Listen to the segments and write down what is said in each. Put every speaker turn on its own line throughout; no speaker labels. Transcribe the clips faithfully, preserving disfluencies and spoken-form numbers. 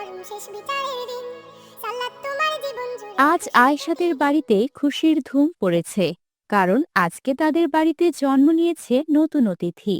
আজ আয়েশাদের বাড়িতে খুশির ধুম পড়েছে, কারণ আজকে তাদের বাড়িতে জন্ম নিয়েছে নতুন অতিথি।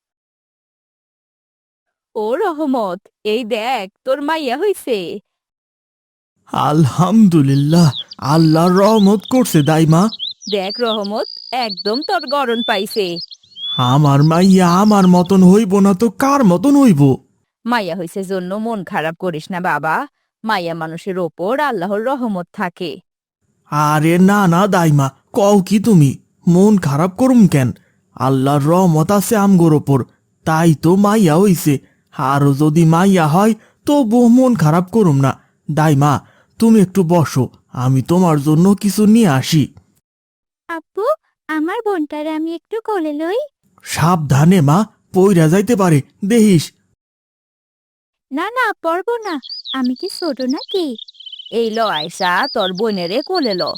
ও রহমত, এই দেখ তোর মাইয়া হইছে।
আলহামদুলিল্লাহ, আল্লাহর রহমত করছে দাইমা।
দেখ রহমত, একদম তোর গরণ পাইছে।
আমার মাইয়া আমার মতন হইব না তো কার মতন হইব?
মাইয়া হইছে জন্য মন খারাপ করিস না বাবা, মাইয়া মানুষের ওপর আল্লাহর রহমত থাকে।
আরে না না দাইমা, কও কি তুমি? মন খারাপ করুম কেন? আল্লাহর রহমত আছে আমগোর ওপর, তাই তো মাইয়া হইছে। আরো যদি মাইয়া হয় তো বহু মন খারাপ করুম না। দাইমা, তুমি একটু বসো, আমি তোমার জন্য কিছু নিয়ে আসি।
আপু, আমার বোনটারে আমি একটু কোলে লই।
সাবধানে মা, পইরা যাইতে পারে, দেহিস।
না না, পারবো না, আমি কি ছোট নাকি? এই ল আয়সা, তোর বোনেরে কোলে ল।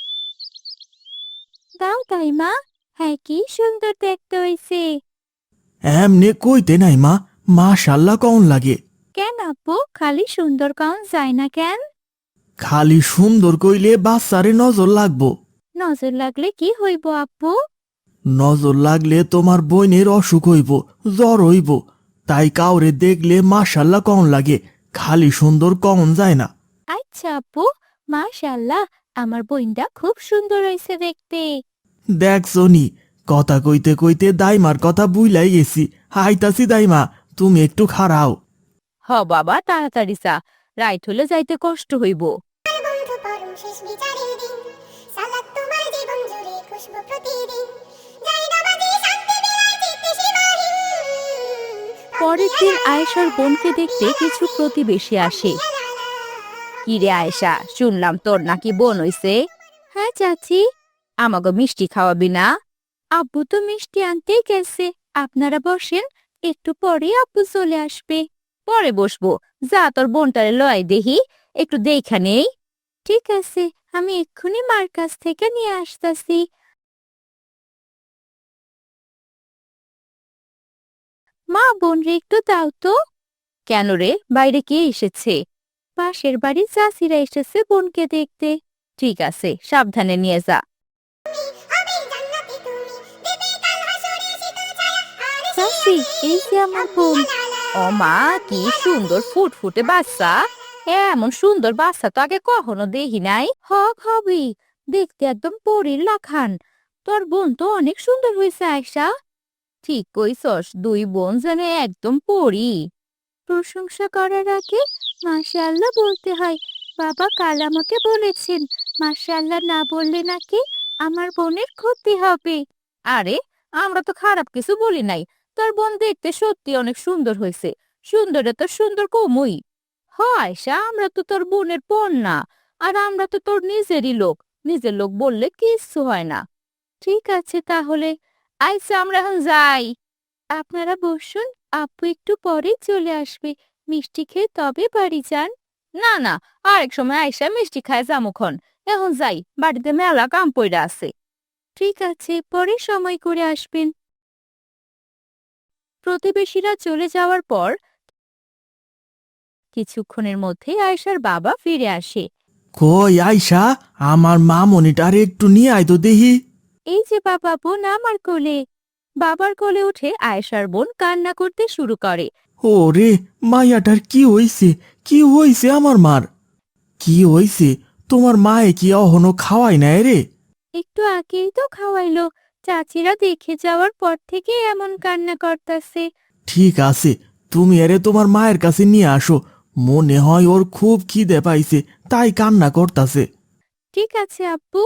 দাও তাই মা, হ্যাঁ কি সুন্দর দেখতে হইছে।
এমনে কইতে নাই মা, মাশাল্লাহ কন লাগে।
কেন আপু, খালি সুন্দর কাউন যায় না কেন?
খালি সুন্দর কইলে বাচ্চারে নজর লাগবো।
নজর লাগলে কি হইব আপু?
নজর লাগলে তোমার বইনের অসুখ হইব, জ্বর হইব। তাই কাউরে দেখলে মাশাল্লাহ কন লাগে, খালি সুন্দর কন যায় না।
আচ্ছা আপু, মাশাআল্লাহ, আমার বোনটা খুব সুন্দর হয়েছে দেখতে।
দেখছো নি, কথা কইতে কইতে দাইমার কথা বুইলাই গেছি। হাইতাছি দাইমা, তুমি একটু খাড়াও।
হ বাবা, তাড়াতাড়ি চা, রাইট হলে যাইতে কষ্ট হইব। পরের দিন আয়েশার বোনকে দেখতে কিছু প্রতিবেশী আসে। কি রে আয়েশা, শুনলাম তোর নাকি বোন হইছে? হ্যাঁ চাচি। আমাকে মিষ্টি খাওয়াবি না? আব্বু তো মিষ্টি আনতেই গেছে, আপনারা বসেন, একটু পরে আব্বু চলে আসবে। পরে বসবো, যা তোর বোনটারে লয় দেহি, একটু দেখা নেই। ঠিক আছে, আমি এক্ষুনি মার কাছ থেকে নিয়ে আসতাছি। মা, বোন রে একটু দাও তো। কেন রে, বাইরে কে এসেছে? পাশের বাড়ির চাষিরা এসেছে বোনকে দেখতে। ঠিক আছে, সাবধানে নিয়ে যা। চাচি, এই যে আমার বোন। ও মা, কি সুন্দর ফুটফুটে বাচ্চা। এমন সুন্দর বাচ্চা তো আগে কখনো দেখি নাই। হক হবি, দেখতে একদম পরীর লাখান। তোর বোন তো অনেক সুন্দর হয়েছে আয়শা। ঠিক কইছস, দুই বোন যেন একদম পরী। প্রশংসা করার আগে মাশাআল্লাহ বলতে হয়। বাবা কাল আমাকে বলেছেন, মাশাআল্লাহ না বললে নাকি আমার বোনের ক্ষতি হবে। আরে, আমরা তো খারাপ কিছু বলি নাই। তোর বোন দেখতে সত্যি অনেক সুন্দর হয়েছে। সুন্দরে তো সুন্দর কমই হয় আয়শা, আমরা তো তোর বোনের বোন না। আর আমরা তো তোর নিজেরই লোক, নিজের লোক বললে কিচ্ছু হয় না। ঠিক আছে তাহলে, আইসা আমরা এখন যাই। আপনারা বসুন, আপু একটু পরে চলে আসবে। মিষ্টি খেয়ে তবে বাড়ি যান। না না, আরেক সময় আইসা মিষ্টি খায় যামুখন। এখন যাই, বাড়িতে মেলা কাম পইরা আছে। ঠিক আছে, পরে সময় করে আসবেন। প্রতিবেশীরা চলে যাওয়ার পর কিছুক্ষণের মধ্যেই আয়েশার বাবা ফিরে আসে।
কই আইসা, আমার মামনিটার একটু নিয়ে আয় তো দেহি।
এই যে বাবা, বোন আমার কোলে। বাবার কোলে উঠে আয়েশার বোন কান্না করতে শুরু করে।
ওরে, মাইয়াটার কি হইছে? কি হইছে আমার মার? কি হইছে? তোমার মায়ে কি অহনো খাওয়াই নাই রে?
একটু আগেই তো খাওয়াইলো, চাচিরা দেখে যাওয়ার পর থেকে এমন কান্না করতেছে।
ঠিক আছে, তুমি এরে তোমার মায়ের কাছে নিয়ে আসো। মনে হয় ওর খুব খিদে পাইছে, তাই কান্না করতাছে।
ঠিক আছে আব্বু।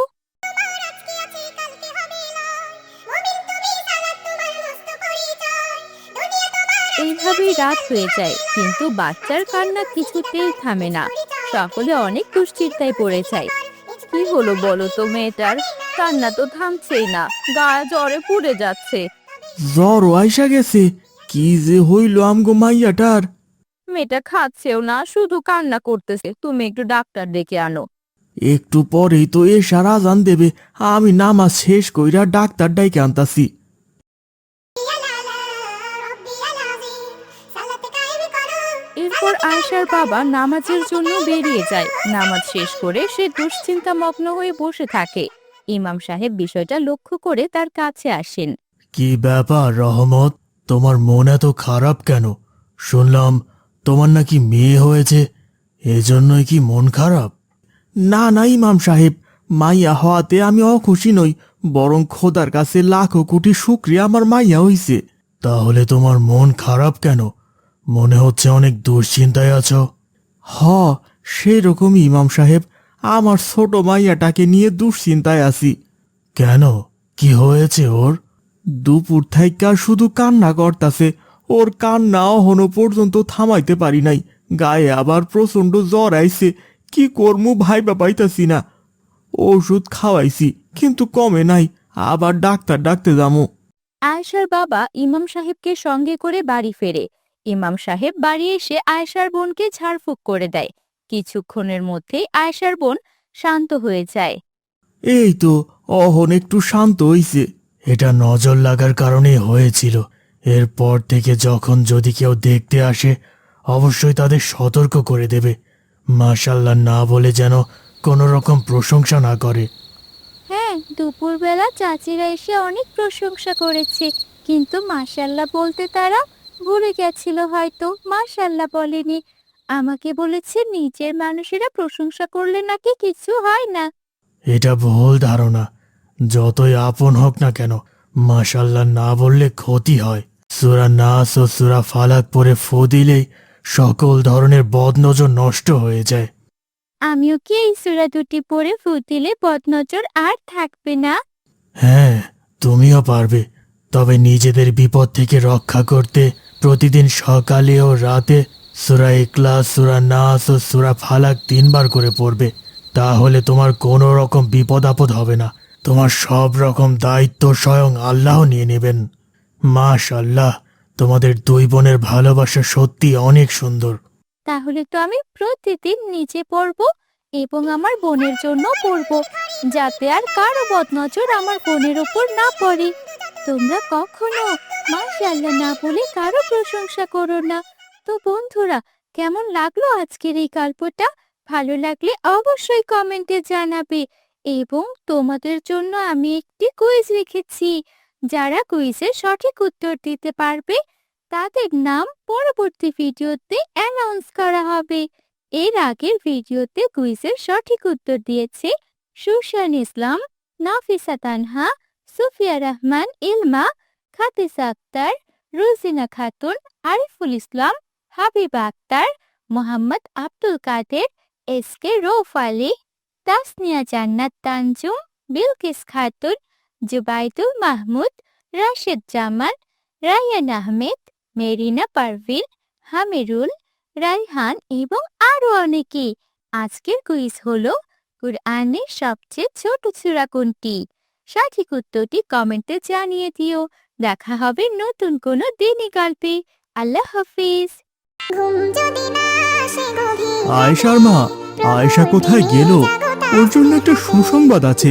এইভাবেই রাত হয়ে যায়, কিন্তু বাচ্চার কান্না কিছুতেই থামে না। সকলে অনেক দুশ্চিন্তায় পড়ে যায়। কি হলো বলো তো মেয়েটার? কান্না তো থামছেই না, গা জ্বরে পুড়ে যাচ্ছে।
জ্বর আইসা গেছে? কি যে হইল আমগো মাইয়াটার?
মেয়েটা খাচ্ছেও না, শুধু কান্না করতেছে। তুমি একটু ডাক্তার ডেকে আনো।
একটু পরেই তো এশার আজান দেবে, আমি নামাজ শেষ কইরা ডাক্তার ডাইকে আনতাছি।
এরপর এরপর আয়েশার বাবা নামাজের জন্য বেরিয়ে যায়। নামাজ শেষ করে সে দুশ্চিন্তা মগ্ন হয়ে বসে থাকে। ইমাম সাহেব বিষয়টা লক্ষ্য করে তার কাছে আসেন।
কি ব্যাপার রহমত, তোমার মন এত খারাপ কেন? শুনলাম তোমার নাকি মেয়ে হয়েছে, এজন্যই কি মন খারাপ? না না ইমাম সাহেব, মাইয়া হওয়াতে আমি অখুশি নই, বরং খোদার কাছে লাখো কোটি শুকরিয়া আমার মাইয়া হইছে। তাহলে তোমার মন খারাপ কেন? মনে হচ্ছে অনেক দুশ্চিন্তায় আছো। হ, সেরকমই ইমাম সাহেব, আমার ছোট মাইয়াটাকে নিয়ে দুশ্চিন্তায় আছি। কেন, কি হয়েছে ওর? দুপুর থাইকা শুধু কান্না করতাছে, ওর কান্না অহনো পর্যন্ত থামাইতে পারি নাই। গায়ে আবার প্রচন্ড জ্বর আইছে, কি করমু ভাইবা পাইতাছি না। ওষুধ খাওয়াইছি কিন্তু কমে নাই, আবার ডাক্তার ডাকতে যামু।
আয়েশার বাবা ইমাম সাহেবকে সঙ্গে করে বাড়ি ফেরে। ইমাম সাহেব বাড়ি এসে আয়েশার বোনকে ঝাড়ফুঁক করে দেয়। কিছুক্ষণের মধ্যেই আয়েশার বোন শান্ত হয়ে যায়।
এই তো অহন একটু শান্ত হইছে। এটা নজর লাগার কারণে হয়েছিল। এরপর থেকে যখন যদি কেউ দেখতে আসে অবশ্যই তাদের সতর্ক করে দেবে। মাশাল্লাহ না বলে যেন কোনো রকম প্রশংসা না করে।
হ্যাঁ, দুপুরবেলা চাচিরা এসে অনেক প্রশংসা করেছে, কিন্তু মাশাল্লাহ বলতে তারা ভুলে গেছিল হয়তো। মাশাল্লাহ বলেনি। আমাকে বলেছে নিজের মানুষেরা প্রশংসা করলে নাকি কিছু হয় না।
এটা ভুল ধারণা। যতই আপন হোক না কেন, মাশাল্লাহ না বললে ক্ষতি হয়। সূরা নাস ও সূরা ফালাক পড়ে ফু দিলেই সকল ধরনের বদনজর নষ্ট হয়ে যায়।
আমিও কি এই সূরা দুটি পড়ে ফু দিলে বদনজর আর থাকবে না?
হ্যাঁ, তুমিও পারবে। তবে নিজেদের বিপদ থেকে রক্ষা করতে প্রতিদিন সকালে ও রাতে সূরা ইখলাস, সূরা নাস ও সূরা ফালাক তিনবার করে পড়বে। তাহলে তোমার কোনো রকম বিপদ আপদ হবে না। তোমার সব রকম দায়িত্ব স্বয়ং আল্লাহ নিয়ে নেবেন। মাশাআল্লাহ, তোমাদের দুই বোনের ভালোবাসা সত্যি অনেক সুন্দর।
তাহলে তো আমি প্রতিদিন নিজে পড়ব এবং আমার বোনের জন্য পড়ব, যাতে আর কারো বদনজর আমার বোনের উপর না পড়ে। তোমরা কখনো মাশাআল্লাহ না বলে কারো প্রশংসা করো না। তো বন্ধুরা, কেমন লাগলো আজকের এই গল্পটা? ভালো লাগলে অবশ্যই কমেন্টে জানাবে। এবং তোমাদের জন্য আমি একটি কুইজ রেখেছি। যারা কুইজের সঠিক উত্তর দিতে পারবে তাদের নাম পরবর্তী ভিডিওতে অ্যানাউন্স করা হবে। এর আগের ভিডিওতে কুইজের সঠিক উত্তর দিয়েছে সুশান ইসলাম, নাফিসা তানহা, সুফিয়া রহমান ইলমা, খাতিসা আক্তার, রুজিনা খাতুন, আরিফুল ইসলাম, হাবিবা আক্তার, মোহাম্মদ আব্দুল কাদের, এস কে রৌফ আলী, তাসনিয়া জান্নাত তানজুম, বিলকিস খাতুন, জুবাইদুল মাহমুদ, রাশেদ জামান, রায়ান আহমেদ, মেরিনা পারভিন, হামিরুল, রাইহান এবং আরো অনেকে। আজকের কুইজ হলো কুরআনের সবচেয়ে ছোট সূরা কোনটি? সঠিক উত্তরটি কমেন্টে জানিয়ে দিও। দেখা হবে নতুন কোনো দিনী গল্পে। আল্লাহ হাফিজ।
আয়েশার মা, আয়েশা কোথায় গেল? ওর জন্য একটা সুসংবাদ আছে।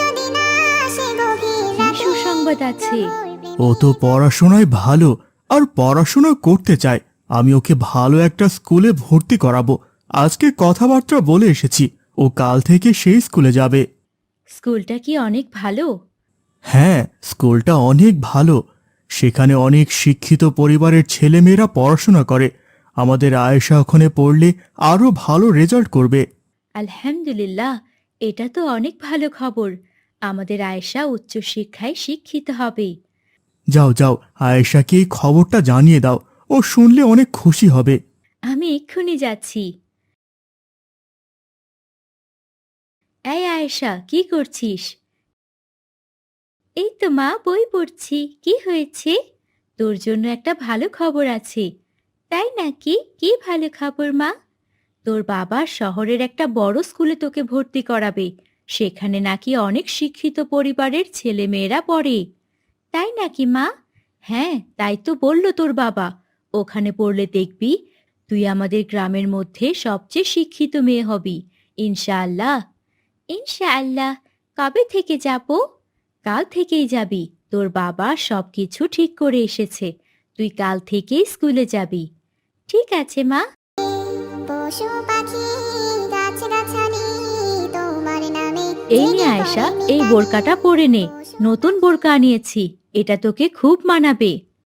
কি সুসংবাদ আছে?
ও তো পড়াশোনায় ভালো আর পড়াশোনা করতে চায়। আমি ওকে ভালো একটা স্কুলে ভর্তি করাবো। আজকে কথাবার্তা বলে এসেছি, ও কাল থেকে সেই স্কুলে যাবে।
স্কুলটা কি অনেক ভালো?
হ্যাঁ, স্কুলটা অনেক ভালো। সেখানে অনেক শিক্ষিত পরিবারের ছেলেমেয়েরা পড়াশোনা করে। আমাদের আয়েশা ওখানে পড়লে আরো ভালো রেজাল্ট করবে।
আলহামদুলিল্লাহ, এটা তো অনেক ভালো খবর। আমাদের আয়েশা উচ্চশিক্ষায় শিক্ষিত হবে।
যাও যাও, আয়েশাকে এই খবরটা জানিয়ে দাও। ও শুনলে অনেক খুশি হবে।
আমি এক্ষুনি যাচ্ছি। এই আয়েশা, কি করছিস? এই তো মা, বই পড়ছি। কি হয়েছে? তোর জন্য একটা ভালো খবর আছে। তাই নাকি? কি ভালো খবর মা? তোর বাবা শহরের একটা বড় স্কুলে তোকে ভর্তি করাবে। সেখানে নাকি অনেক শিক্ষিত পরিবারের ছেলে মেয়েরা পড়ে। তাই নাকি মা? হ্যাঁ, তাই তো বলল তোর বাবা। ওখানে পড়লে দেখবি তুই আমাদের গ্রামের মধ্যে সবচেয়ে শিক্ষিত মেয়ে হবি, ইনশাআল্লাহ। ইনশাআল্লাহ। কবে থেকে যাব? কাল থেকেই যাবি। তোর বাবা সবকিছু ঠিক করে এসেছে। তুই কাল থেকেই স্কুলে যাবি। ঠিক আছে মা।
পশু পাখি গাছগাছালি তোমার নামে
এই নে আয়েশা, এই বোরকাটা পরে নে। নতুন বোরকা আনিয়েছি, এটা তোকে খুব মানাবে।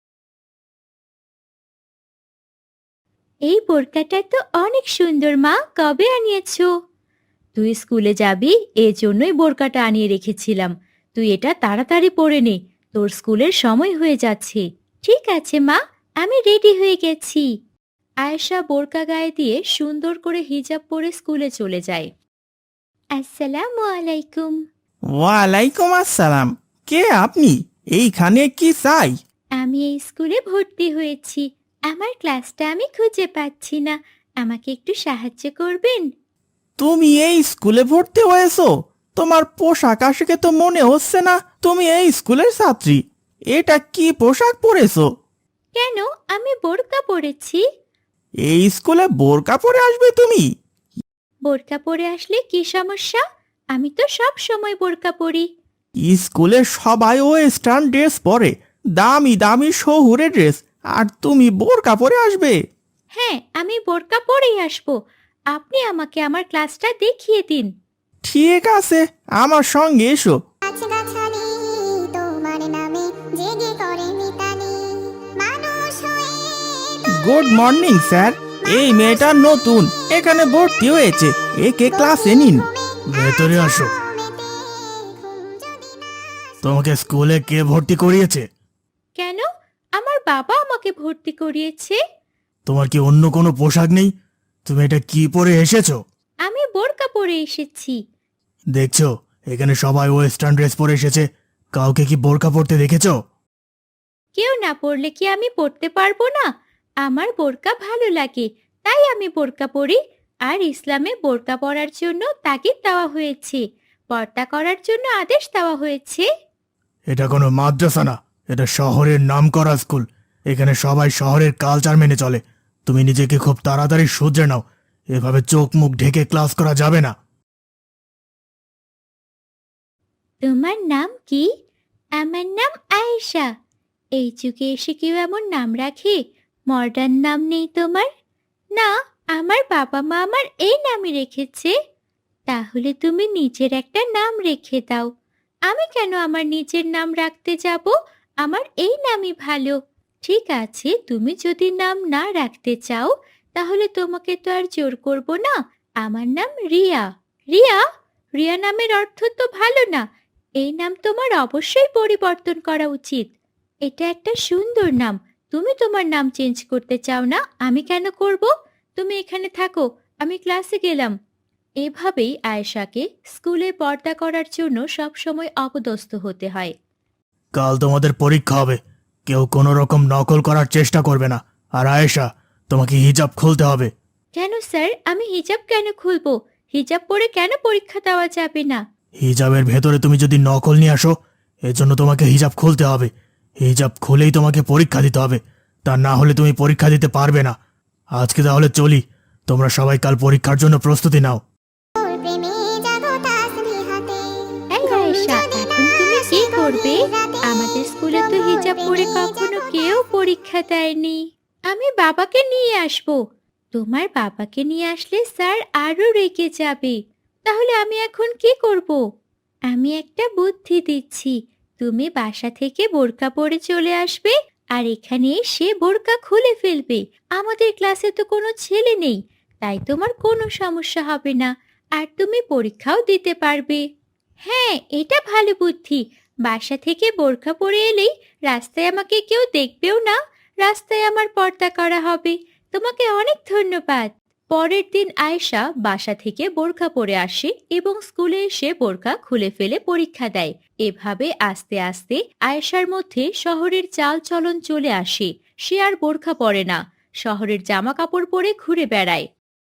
এই বোরকাটা তো অনেক সুন্দর মা, কবে আনিয়েছো? তুই স্কুলে যাবি, এই জন্যই বোরকাটা আনিয়ে রেখেছিলাম। তুই এটা তাড়াতাড়ি পরে নে, তোর স্কুলের সময় হয়ে যাচ্ছে। ঠিক আছে মা, আমি রেডি হয়ে গেছি। আয়েশা বোরকা গায়ে দিয়ে সুন্দর করে হিজাব পরে স্কুলে চলে যায়। আসসালামু আলাইকুম।
ওয়ালাইকুম আসসালাম। কে আপনি? এইখানে কি চাই?
আমি এই স্কুলে ভর্তি হয়েছি, আমার ক্লাসটা আমি খুঁজে পাচ্ছি না, আমাকে একটু সাহায্য করবেন?
তুমি এই স্কুলে ভর্তি হয়েছো? তোমার পোশাক আশাকে তো মনে হচ্ছে না তুমি এই স্কুলের ছাত্রী। এটা কি পোশাক পরেছো?
কেন, আমি বোরকা পরেছি।
এই স্কুলে বোরকা পরে আসবে তুমি?
বোরকা পরে আসলে কি সমস্যা? আমি তো সব সময় বোরকা পরি।
স্কুলে সবাই ওয়েস্টার্ন ড্রেস পরে, দামি দামি শহুরে ড্রেস, আর তুমি বোরকা পরে আসবে?
হ্যাঁ, আমি বোরকা পরেই আসবো। আপনি আমাকে আমার ক্লাসটা দেখিয়ে দিন।
ঠিক আছে, আমার সঙ্গে এসো।
গাছগাছালি তোমার নামে জেগে করে মিতালি মানুষ হয়ে
গুড মর্নিং স্যার। এই মেয়েটা নতুন এখানে ভর্তি হয়েছে, একে ক্লাসে নিন। ভেতরে আসো। তোমাকে স্কুলে কে ভর্তি করিয়েছে?
কেন, আমার বাবা আমাকে ভর্তি করিয়েছে।
তোমার কি অন্য কোনো পোশাক নেই? তুমি এটা কি পরে এসেছো?
আমি বোরকা পরে এসেছি।
দেখছো, এখানে সবাই ওয়েস্টার্ন ড্রেস পরে এসেছে, কাউকে কি বোরকা পরতে দেখেছো?
কেউ না পরলে কি আমি পরতে পারবো না? আমার বোরকা ভালো লাগে, তাই আমি বোরকা পরি। আর ইসলামে বোরকা পরার জন্য তাগিদ দেওয়া হয়েছে, পর্দা করার জন্য আদেশ দেওয়া হয়েছে।
এটা কোনো মাদ্রাসা না, এটা শহরের নামকরা স্কুল। এখানে সবাই শহরের কালচার মেনে চলে। তুমি নিজেকে খুব তাড়াতাড়ি শুধরে নাও, এভাবে চোখ মুখ ঢেকে ক্লাস করা যাবে না।
তোমার নাম কি? আমার নাম আয়েশা। এই যুগে এসে কেউ এমন নাম রাখে? মডার্ন নাম নেই তোমার? না, আমার বাবা মা আমার এই নামই রেখেছে। তাহলে তুমি নিজের একটা নাম রেখে দাও। আমি কেন আমার নিজের নাম রাখতে যাব? আমার এই নামই ভালো। ঠিক আছে, তুমি যদি নাম না রাখতে চাও, তাহলে তোমাকে তো আর জোর করব না। আমার নাম রিয়া। রিয়া? রিয়া নামের অর্থ তো ভালো না। এই নাম তোমার অবশ্যই পরিবর্তন করা উচিত। এটা একটা সুন্দর নাম, তুমি তোমার নাম চেঞ্জ করতে চাও না, আমি কেন করব? তুমি এখানে থাকো, আমি ক্লাসে গেলাম। এভাবেই আয়েশাকে স্কুলে পর্দা করার জন্য সবসময় অপদস্থ হতে হয়।
কাল তোমাদের পরীক্ষা হবে, কেউ কোনো রকম নকল করার চেষ্টা করবে না। আর আয়েশা, তোমাকে হিজাব খুলতে হবে।
কেন স্যার, আমি হিজাব কেন খুলবো? হিজাব পরে কেন পরীক্ষা দেওয়া যাবে না?
হিজাবের ভেতরে তুমি যদি নকল নিয়ে আসো, এজন্য তোমাকে হিজাব খুলতে হবে। হিজাব খুলেই তোমাকে পরীক্ষা দিতে হবে, তা না হলে তুমি পরীক্ষা দিতে পারবে না। আজকে তাহলে চলি, তোমরা সবাই কাল পরীক্ষার জন্য প্রস্তুতি নাও।
তোর প্রেমে জাগো তাসবিহাতে
এই আয়েশা, এখন তুমি কি করবে? আমাদের স্কুলে তো হিজাব পরে কখনো কেউ পরীক্ষা দেয়নি। আমি বাবাকে নিয়ে আসবো। তোমার বাবাকে নিয়ে আসলে স্যার আরো রেগে যাবে। তাহলে আমি এখন কি করব? আমি একটা বুদ্ধি দিচ্ছি। তুমি বাসা থেকে বোরকা পরে চলে আসবে, আর এখানে এসে বোরকা খুলে ফেলবে। আমাদের ক্লাসে তো কোনো ছেলে নেই, তাই তোমার কোনো সমস্যা হবে না, আর তুমি পরীক্ষাও দিতে পারবে। হ্যাঁ, এটা ভালো বুদ্ধি। বাসা থেকে বোরকা পরে এলেই রাস্তায় আমাকে কেউ দেখবেও না, রাস্তায় আমার পর্দা করা হবে। তোমাকে অনেক ধন্যবাদ। পরের দিন আয়েশা বাসা থেকে বোরকা পরে আসে এবং স্কুলে এসে বোরকা খুলে ফেলে পরীক্ষা দেয়। এভাবে আস্তে আস্তে আয়েশার মধ্যে শহরের চাল চলন চলে আসে। সে আর বোরকা পরে না, শহরের জামা কাপড় পরে ঘুরে বেড়ায়।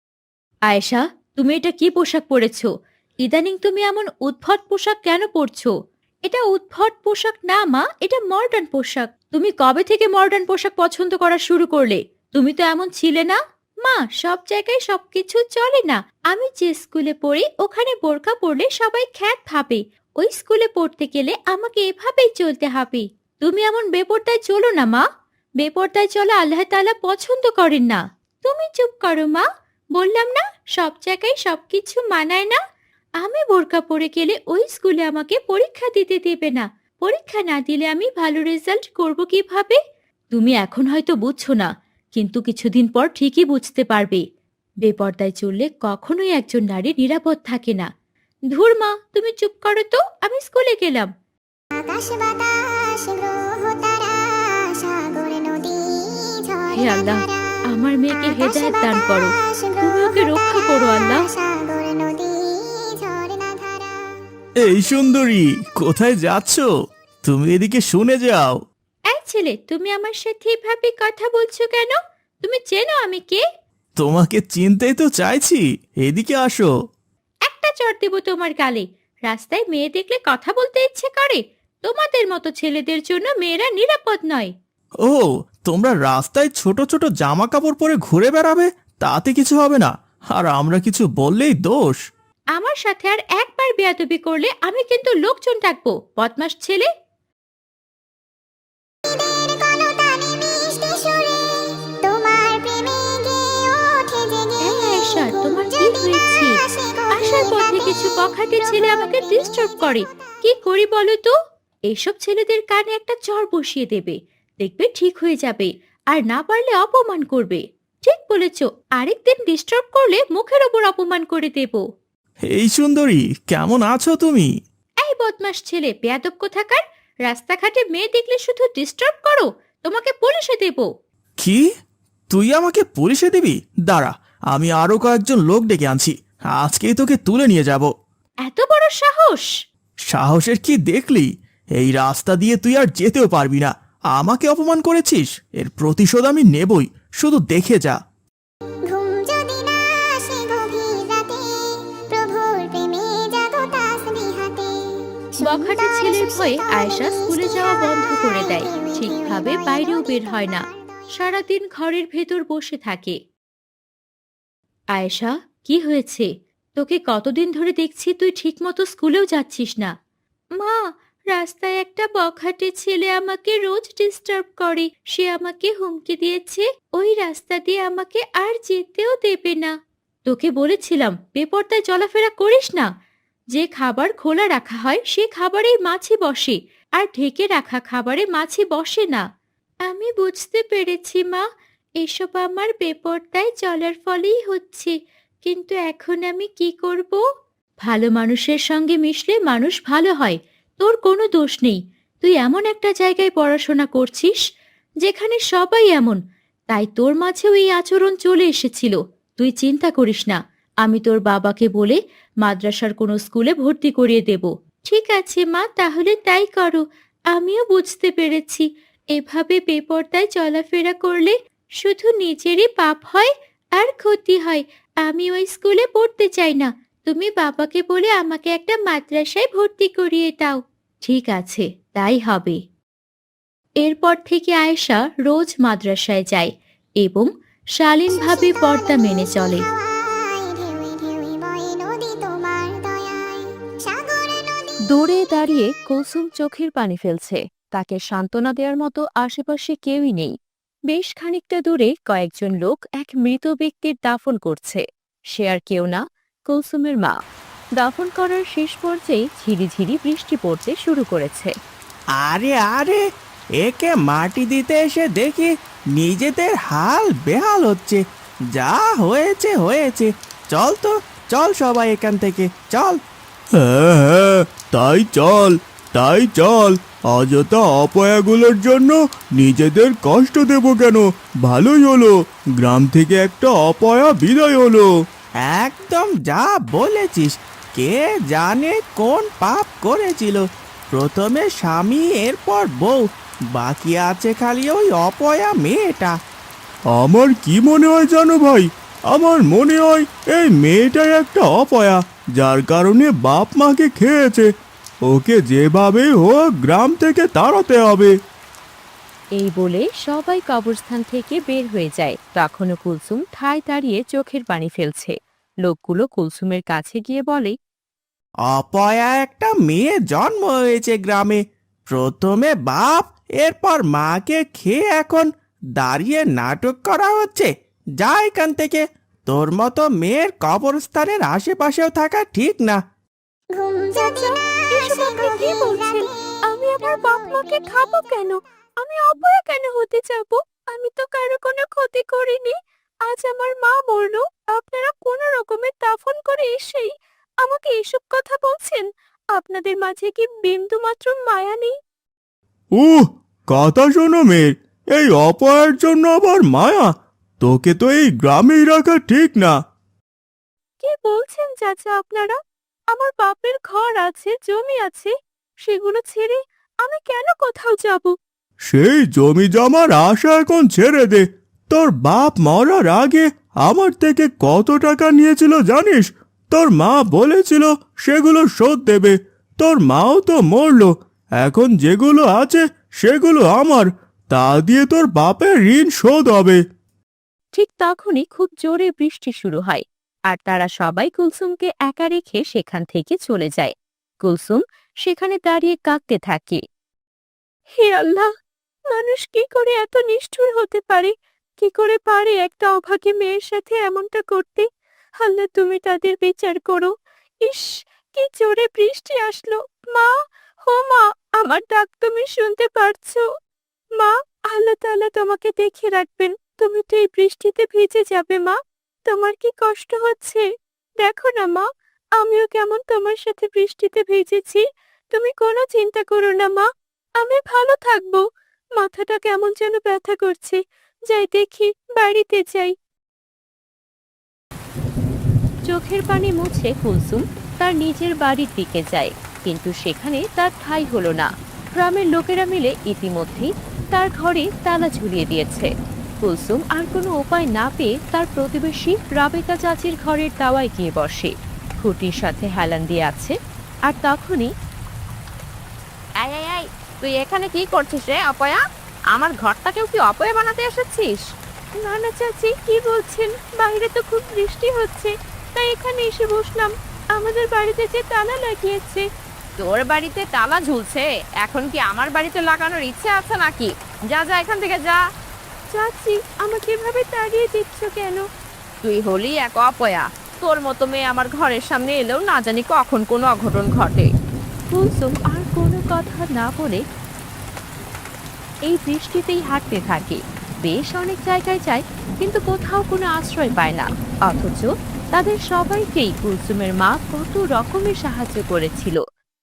আয়েশা, তুমি এটা কি পোশাক পরেছো? ইদানিং তুমি এমন উদ্ভট পোশাক কেন পরছো? এটা উদ্ভট পোশাক না মা, এটা মডার্ন পোশাক। তুমি কবে থেকে মডার্ন পোশাক পছন্দ করা শুরু করলে? তুমি তো এমন ছিলে না। মা, সব জায়গায় সবকিছু চলে না। আমি যে স্কুলে পড়ি ওখানে বোরকা পরলে সবাই খ্যাত ভাবে। ওই স্কুলে পড়তে গেলে আমাকে এভাবেই চলতে হবে। তুমি এমন বেপরদায় চলো না মা। বেপরদায় চলা আল্লাহ তাআলা পছন্দ করেন না। তুমি চুপ করো মা। বললাম না সব জায়গায় সবকিছু মানায় না। আমি বোরকা পরে গেলে ওই স্কুলে আমাকে পরীক্ষা দিতে দেবে না। পরীক্ষা না দিলে আমি ভালো রেজাল্ট করব কিভাবে? তুমি এখন হয়তো বুঝছো না, কিন্তু কিছুদিন পর ঠিকই বুঝতে পারবে। বেপর্দায় চললে কখনোই একজন নারী নিরাপদ থাকে না। ধুর মা, তুমি চুপ করো তো, আমি স্কুলে গেলাম।
আকাশ বাতাস গ্রহ তারা সাগর নদী
হে
ঝর্ণা
আল্লাহ,
ধারা
আমার মেয়েকে হেদায়েত দান করো।
আকাশ
তুমি ওকে
গ্রহ
রক্ষা করো আল্লাহ।
তারা সাগর নদী ঝর্ণা ধারা।
এই সুন্দরী, কোথায় যাচ্ছ? তুমি এদিকে শুনে যাও।
এই ছেলে, তুমি আমার সাথে এভাবে কথা বলছো কেন? তুমি চেনো আমি কে?
তোমাকে চিনতেই তো চাইছি, এদিকে আসো।
একটা চড় দেবো তোমার গালে। রাস্তায় মেয়ে দেখলে কথা বলতে ইচ্ছে করে? তোমাদের মতো ছেলেদের জন্য মেয়েরা নিরাপদ নয়।
ও, তোমরা রাস্তায় ছোট ছোট জামা কাপড় পরে ঘুরে বেড়াবে, তাতে কিছু হবে না, আর আমরা কিছু বললেই দোষ।
আমার সাথে আর একবার বেয়াদবি করলে আমি কিন্তু লোকজন ডাকবো, বদমাস ছেলে।
ঈদের কলতানে মিষ্টি সুরে তোমার প্রেমে গেয়ে ওঠে জেগে।
এই আয়েশা, তোমার কি হয়েছে? আসার পথে কিছু বখাটে ছেলে আমাকে ডিস্টার্ব করে। কি করি বলো তো? এইসব ছেলেদের কানে একটা চড় বসিয়ে দেবে, দেখবে ঠিক হয়ে যাবে। আর না পারলে অপমান করবে। ঠিক বলেছো, আরেকদিন ডিস্টার্ব করলে মুখের ওপর অপমান করে দেব।
এই সুন্দরী, কেমন আছো তুমি?
এই বদমাস ছেলে, বেয়াদব কোথাকার! রাস্তাঘাটে মেয়ে দেখলে শুধু ডিস্টার্ব করো, তোমাকে পুলিশে দেব।
কি? তুই আমাকে পুলিশে দিবি? দাঁড়া, আমি আরো কয়েকজন লোক ডেকে আনছি, আজকেই তোকে তুলে নিয়ে যাব।
এত বড় সাহস!
সাহসের কি দেখলি? এই রাস্তা দিয়ে তুই আর যেতেও পারবি না। আমাকে অপমান করেছিস, এর প্রতিশোধ আমি নেবই, শুধু দেখে যা।
ঘুম যদি না আসে গভীর রাতে প্রভুর প্রেমে জাগো তাসবিহাতে।
বখাটে ছেলের ভয়ে আয়েশা স্কুলে যাওয়া বন্ধ করে দেয়। ঠিকভাবে বাইরেও বের হয় না, সারাদিন ঘরের ভেতর বসে থাকে। আয়েশা, কি হয়েছে? তোকে কতদিন ধরে দেখছি তুই ঠিকমতো স্কুলেও যাচ্ছিস না। মা, রাস্তায় একটা বখাটে ছেলে আমাকে রোজ ডিস্টার্ব করে। সে আমাকে হুমকি দিয়েছে ওই রাস্তা দিয়ে আমাকে আর যেতেও দেবে না। তোকে বলেছিলাম বেপরদায় চলাফেরা করিস না। যে খাবার খোলা রাখা হয় সে খাবারেই মাছি বসে, আর ঢেকে রাখা খাবারে মাছি বসে না। আমি বুঝতে পেরেছি মা, এসব আমার বেপরদায় চলার ফলেই হচ্ছে। কিন্তু এখন আমি কি করব? ভালো মানুষের সঙ্গে মিশলে মানুষ ভালো হয়। তোর কোনো দোষ নেই। তুই এমন একটা জায়গায় পড়াশোনা করছিস যেখানে সবাই এমন, তাই তোর মাঝেও এই আচরণ চলে এসেছিল। তুই চিন্তা করিস না, আমি তোর বাবাকে বলে মাদ্রাসার কোনো স্কুলে ভর্তি করিয়ে দেব। ঠিক আছে মা, তাহলে তাই করো। আমিও বুঝতে পেরেছি এভাবে বেপরদায় চলাফেরা করলে শুধু নিজেরই পাপ হয় আর ক্ষতি হয়। আমি ওই স্কুলে পড়তে চাই না। তুমি বাবাকে বলে আমাকে একটা মাদ্রাসায় ভর্তি করিয়ে দাও। ঠিক আছে, তাই হবে। এরপর থেকে আয়েশা রোজ মাদ্রাসায় যায় এবং শালীনভাবে পর্দা মেনে চলে।
ঢেউয়ে ঢেউয়ে বয়ে নদী তোমার দয়ায় সাগর নদী।
দূরে দাঁড়িয়ে কুলসুম চোখের পানি ফেলছে। তাকে সান্ত্বনা দেওয়ার মতো আশেপাশে কেউই নেই। বেশ খানিকটা দূরে কয়েকজন লোক এক মৃত ব্যক্তির দাফন করছে। সে আর কেউ না, কুলসুমের মা। দাফন করার শেষ পর্যায়ে ঝিরিঝিরি বৃষ্টি পড়তে শুরু করেছে।
আরে আরে, একে মাটি দিতে এসে দেখি নিজেদের হাল বেহাল হচ্ছে। যা হয়েছে হয়েছে, চল তো, চল সবাই এখান থেকে চল। হ্যাঁ হ্যাঁ, তাই চল, তাই চল। অযথা অপয়াগুলোর জন্য নিজেদের কষ্ট দেব কেন? ভালোই হলো, গ্রাম থেকে একটা অপয়া বিদায় হলো। একদম যা বলেছিস। কে জানে কোন পাপ করেছিল। প্রথমে স্বামী, এরপর বউ, বাকি আছে খালি ওই অপয়া মেয়েটা। আমার কি মনে হয় জানো ভাই, আমার মনে হয় এই মেয়েটাই একটা অপয়া, যার কারণে বাপ মাকে খেয়েছে। ওকে যেভাবেই হোক গ্রাম থেকে তাড়াতে হবে।
এই বলে সবাই কবরস্থান থেকে বের হয়ে যায়। তখনও কুলসুম ঠায় দাঁড়িয়ে চোখের পানি ফেলছে। লোকগুলো কুলসুমের কাছে গিয়ে বলে,
অপয়া একটা মেয়ে জন্ম হয়েছে গ্রামে। প্রথমে বাপ, এরপর মাকে খেয়ে এখন দাঁড়িয়ে নাটক করা হচ্ছে। যা এখান থেকে, তোর মতো মেয়ের কবরস্থানের আশেপাশেও থাকা ঠিক না।
ঘুম যদি না
এসব
আসে
আপনি কি
গভীর
বলছেন?
রাতে,
আমি আমার বাপ মাকে খাবো কেন? আমি অপয়া কেন হতে যাব? আমি তো কারো কোনো ক্ষতি করিনি। আজ আমার মা মরলো, আপনারা কোনো রকমে দাফন করে এসেই আমাকে এসব কথা বলছেন। আপনাদের মাঝে কি বিন্দু মাত্র মায়া নেই?
উহ, কথা শোনো মেয়ের, এই অপয়ের জন্য আবার মায়া? তোকে তো এই গ্রামেই রাখা ঠিক না।
কি বলছেন চাচা আপনারা? আমার বাপের ঘর আছে, জমি আছে, সেগুলো ছেড়ে আমি কেন কোথাও যাব?
সেই জমি জমার আশা এখন ছেড়ে দে। তোর বাপ মরার আগে আমার থেকে কত টাকা নিয়েছিল জানিস? তোর মা বলেছিল সেগুলো শোধ দেবে। তোর মাও তো মরলো, এখন যেগুলো আছে সেগুলো আমার, তা দিয়ে তোর বাপের ঋণ শোধ হবে।
ঠিক তখনই খুব জোরে বৃষ্টি শুরু হয়, আর তারা সবাই কুলসুমকে একা রেখে সেখান থেকে চলে যায়। কুলসুম সেখানে দাঁড়িয়ে কাঁদতে থাকে। হে আল্লাহ, মানুষ কি করে এত নিষ্ঠুর হতে পারে? কি করে পারে একটা অভাগী মেয়ের সাথে এমনটা করতে? আল্লাহ, তুমি তাদের বিচার করো। ইস, কি জোরে বৃষ্টি আসলো! মা, হো মা, আমার ডাক তুমি শুনতে পারছো? মা, আল্লাহ তাআলা তোমাকে দেখে রাখবেন। তুমি তো এই বৃষ্টিতে ভিজে যাবে মা। তোমার কি কষ্ট হচ্ছে? দেখো না মা, আমিও কেমন তোমার সাথে বৃষ্টিতে ভিজেছি। তুমি কোনো চিন্তা করো না মা, আমি ভালো থাকবো। মাথাটা কেমন যেন ব্যথা করছে, যাই দেখি, বাড়িতে যাই। চোখের পানি মুছে কুলসুম তার নিজের বাড়ির দিকে যায়, কিন্তু সেখানে তার ঠাঁই হলো না। গ্রামের লোকেরা মিলে ইতিমধ্যেই তার ঘরে তালা ঝুলিয়ে দিয়েছে। কুলসুম আর কোনো উপায় না পেয়ে তার প্রতিবেশী রাবেকা চাচির ঘরের দাওয়ায় গিয়ে বসে। খুঁটির সাথে হেলান দিয়ে আছে, আর তখনই আই আই আই, তুই এখানে কি করছিস রে অপয়া? আমার ঘরটাকেও কি অপয়া বানাতে এসেছিস? না না চাচি, কি বলছেন? বাইরে তো খুব বৃষ্টি হচ্ছে, তাই এখানে এসে বসলাম। আমাদের বাড়িতে যে তালা লাগিয়েছে। তোর বাড়িতে তালা ঝুলছে, এখন কি আমার বাড়িতে লাগানোর ইচ্ছে আছে নাকি? যা যা, এখান থেকে যা। চাচি, আমাকে এভাবে তাড়িয়ে দিচ্ছ কেন? তুই হলি এক অপয়া। তোর মতো মেয়ে আমার ঘরের সামনে এলেও না জানি কখন কোনো অঘটন ঘটে। কুলসুম আর কোনো কথা না বলে এই বৃষ্টিতেই হাঁটতে থাকে। বেশ অনেক জায়গায় যায়, কিন্তু কোথাও কোনো আশ্রয় পায় না। অথচ তাদের সবাইকেই কুলসুমের মা কত রকমের সাহায্য করেছিল।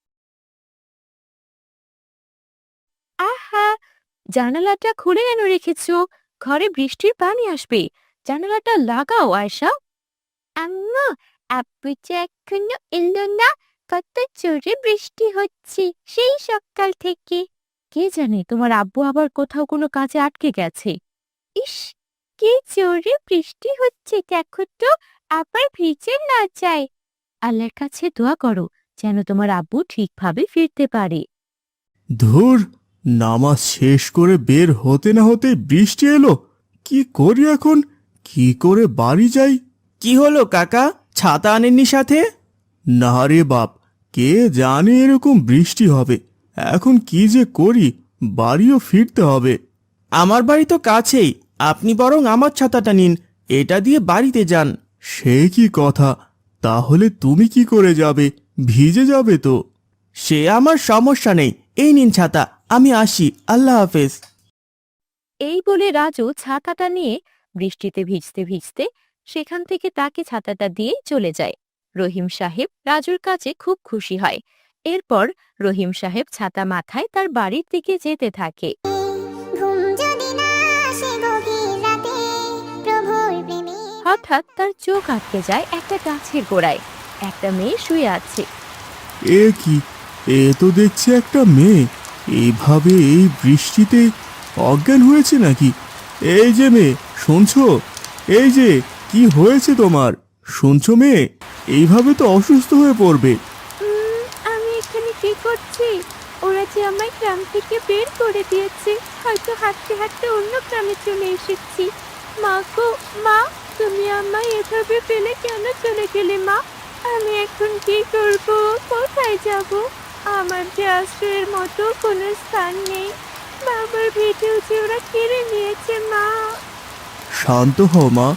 আহা, জানালাটা খুলে কেন রেখেছো? ঘরে বৃষ্টির পানি আসবে, জানালাটা লাগাও আয়শা। আম্মা, আব্বু যে এখনো এলো না। কত জোরে বৃষ্টি হচ্ছে সেই সকাল থেকে। কে জানে তোমার আব্বু আবার কোথাও কোনো কাজে আটকে গেছে। ইস, কি জোরে বৃষ্টি হচ্ছে, দেখো তো, আবার ভিজে না যায়। আল্লাহর কাছে দোয়া করো যেন তোমার আব্বু ঠিকভাবে ফিরতে পারে।
ধুর, নামাজ শেষ করে বের হতে না হতে বৃষ্টি এলো। কি করি এখন? কি করে বাড়ি যাই? কি হলো কাকা, ছাতা আনেননি সাথে? না রে বাপ, কে জানে এরকম বৃষ্টি হবে। এখন কি যে করি, বাড়িও ফিরতে হবে। আমার বাড়ি তো কাছেই, আপনি বরং আমার ছাতাটা নিন, এটা দিয়ে বাড়িতে যান। সে কি কথা? তাহলে তুমি কি করে যাবে? ভিজে যাবে তো। সে আমার সমস্যা নেই, এই নিন ছাতা, আমি আসি, আল্লাহ হাফেজ।
এই বলে রাজু ছাতাটা নিয়ে বৃষ্টিতে ভিজতে ভিজতে সেখান থেকে তাকে ছাতাটা দিয়ে চলে যায়। রহিম সাহেব রাজুর কাছে খুব খুশি হয়। এরপর রহিম সাহেব ছাতা মাথায় তার বাড়ির দিকে যেতে থাকে।
ঘুম যদি না আসে গভীর রাতে, প্রভুর প্রেমে
হঠাৎ তার চোখ আটকে যায় একটা গাছের গোড়ায়। একটা মেয়ে শুয়ে আছে।
এ কি, এ তো দেখছি একটা মেয়ে। এইভাবে এই বৃষ্টিতে অজ্ঞান হয়েছে নাকি? এই যে মেয়ে, শুনছো? এই যে, কি হয়েছে তোমার? শুনছো মেয়ে? এইভাবে তো অসুস্থ হয়ে পড়বে।
উম, আমি এখানে কি করছি? ওরা যে আমায় গ্রাম থেকে বের করে দিয়েছে, হয়তো হাঁটতে হাঁটতে অন্য গ্রামে চলে এসেছি। মা গো মা, তুমি আমায় এভাবে ফেলে কেন চলে গেলে মা? আমি এখন কি করব? কোথায় যাব? আমার যে আশ্রয়ের মতো কোনো স্থান নেই। বাবার ভিটেও যে ওরা কেড়ে নিয়েছে মা।
শান্ত হও মা,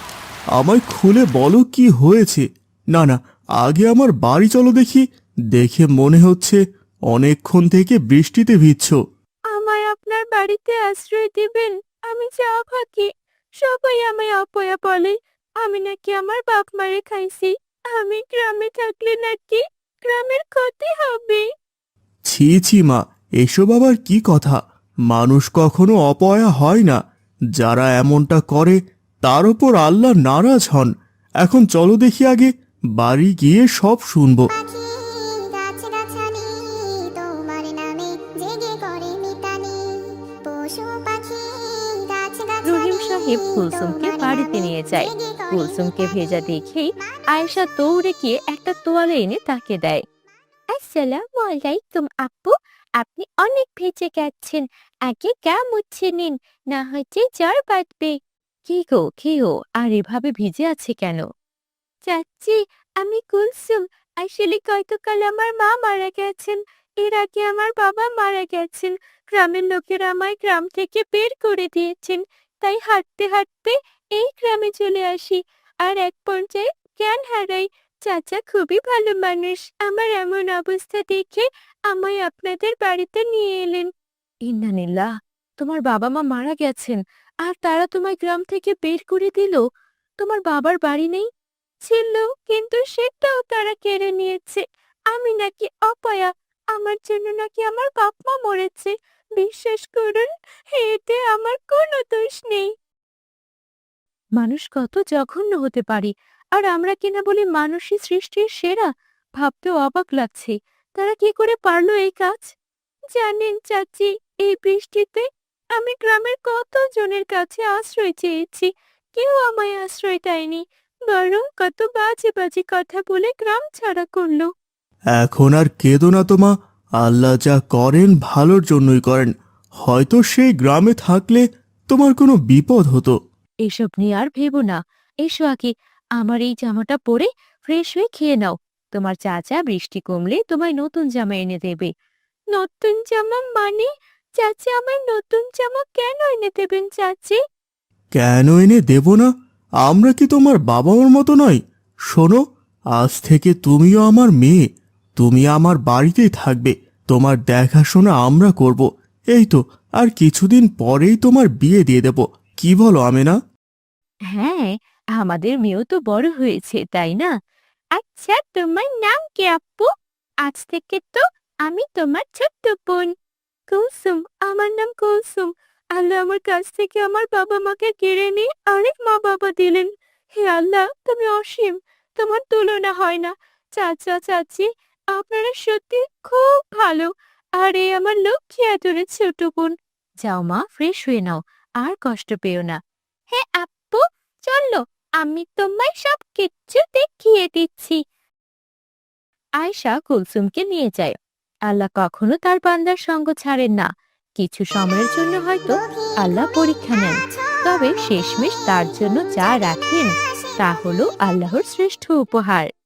আমায় খুলে বলো কি হয়েছে। না না, আগে আমার বাড়ি চলো দেখি। দেখে মনে হচ্ছে অনেকক্ষণ থেকে বৃষ্টিতে ভিজছ।
আমায় আপনার বাড়িতে আশ্রয় দিবেন? আমি যা থাকি সবাই আমায় অপয়া বলে। আমি নাকি আমার বাপ মারে খাইছি। আমি গ্রামে থাকলে নাকি গ্রামের ক্ষতি হবে।
ছি ছি মা, এসব আবার কি কথা? মানুষ কখনো অপয়া হয় না। যারা এমনটা করে তার ওপর আল্লাহ নারাজ হন। এখন চলো দেখি আগে, বাড়ি গিয়ে সব শুনবো।
পাখি গাছগাছালি তোমার নামে জেগে করে মিতালি পশু পাখি গাছগাছালি
রহিম সাহেব কুলসুমকে
তোমার
বাড়িতে
নামে
নিয়ে যায়।
জেগে করে
কুলসুমকে
মিতালি।
ভেজা দেখেই আয়েশা দৌড়ে গিয়ে একটা তোয়ালে এনে তাকে দেয়। আসসালামু আলাইকুম আপু, আপনি অনেক ভেজে গেছেন। আগে গা মুছে নিন, না হয়তো জ্বর বাঁধবে। কি গো কি গো, আর এভাবে ভিজে আছে কেন? চাচ্ছি, আমি কুলসুম। আসলে গতকাল আমার মা মারা গেছেন। এর আগে আমার বাবা মারা গেছেন। গ্রামের লোকেরা আমায় গ্রাম থেকে বের করে দিয়েছেন। তাই হাঁটতে হাঁটতে এই গ্রামে চলে আসি। আর এক পর্যায়ে জ্ঞান হারাই। চাচা খুবই ভালো মানুষ। আমার এমন অবস্থা দেখে আমায় আপনাদের বাড়িতে নিয়ে এলেন। ইন্নানিল্লাহ, তোমার বাবা মা মারা গেছেন আর তারা তোমায় গ্রাম থেকে বের করে দিল? তোমার বাবার বাড়ি নেই? ছিল, কিন্তু সেটাও তারা কেড়ে নিয়েছে। আমি নাকি অপয়া, আমার জন্য নাকি আমার বাপ মা মরেছে। বিশ্বাস করুন, এতে আমার কোনো দোষ নেই। মানুষ কত জঘন্য হতে পারে, আর আমরা কিনা বলি মানুষই সৃষ্টির সেরা। ভাবতেও অবাক লাগছে, তারা কি করে পারলো এই কাজ। জানেন চাচি, এই বৃষ্টিতে আমি গ্রামের কত জনের কাছে আশ্রয় চেয়েছি, কেউ আমায় আশ্রয় দেয়নি, বরং কত বাজে বাজে কথা বলে গ্রাম ছাড়া করলো।
এখন আর কেঁদো না তো মা। আল্লাহ যা করেন ভালোর জন্যই করেন। হয়তো সেই গ্রামে থাকলে তোমার কোনো বিপদ হতো।
এসব নিয়ে আর ভেবো না। এসো আগে, আমার এই জামাটা পরে ফ্রেশ হয়ে খেয়ে নাও। তোমার চাচা বৃষ্টি কমলে তোমায় নতুন জামা এনে দেবে। নতুন জামা মানে? চাচা আমায় নতুন জামা কেন এনে দেবেন চাচি?
কেন এনে দেব না? আমরা কি তোমার বাবা মার মতো নয়? শোনো, আজ থেকে তুমিও আমার মেয়ে। তুমি আমার বাড়িতেই থাকবে। তোমার দেখাশোনা আমরা করব। এই তো, আর কিছুদিন পরেই তোমার বিয়ে দিয়ে দেব। কি বলো আমেনা?
হ্যাঁ, আমাদের মেয়েও তো বড় হয়েছে, তাই না? আচ্ছা, তোমার নাম কি আপু? আজ থেকে তো আমি তোমার ছোট্ট বোন। কুলসুম, আমার নাম কুলসুম। আল্লাহ আমার কাছ থেকে আমার বাবা মাকে কেড়ে নিয়ে আরেক মা বাবা দিলেন। হে আল্লাহ, তুমি অসীম, তোমার তুলনা হয় না। চাচা চাচি, আপনারা সত্যি খুব ভালো। আর এই আমার লক্ষ্মী আদরের ছোট বোন। যাও মা, ফ্রেশ হয়ে নাও, আর কষ্ট পেও না। হ্যাঁ আপু, চলো, আমি তোমায় সব কিচ্ছু দেখিয়ে দিচ্ছি। আয়শা কুলসুমকে নিয়ে যায়। আল্লাহ কখনো তার বান্দার সঙ্গ ছাড়েন না। কিছু সময়ের জন্য হয়তো আল্লাহ পরীক্ষা নেন, তবে শেষমেশ তার জন্য যা রাখেন তা হলো আল্লাহর শ্রেষ্ঠ উপহার।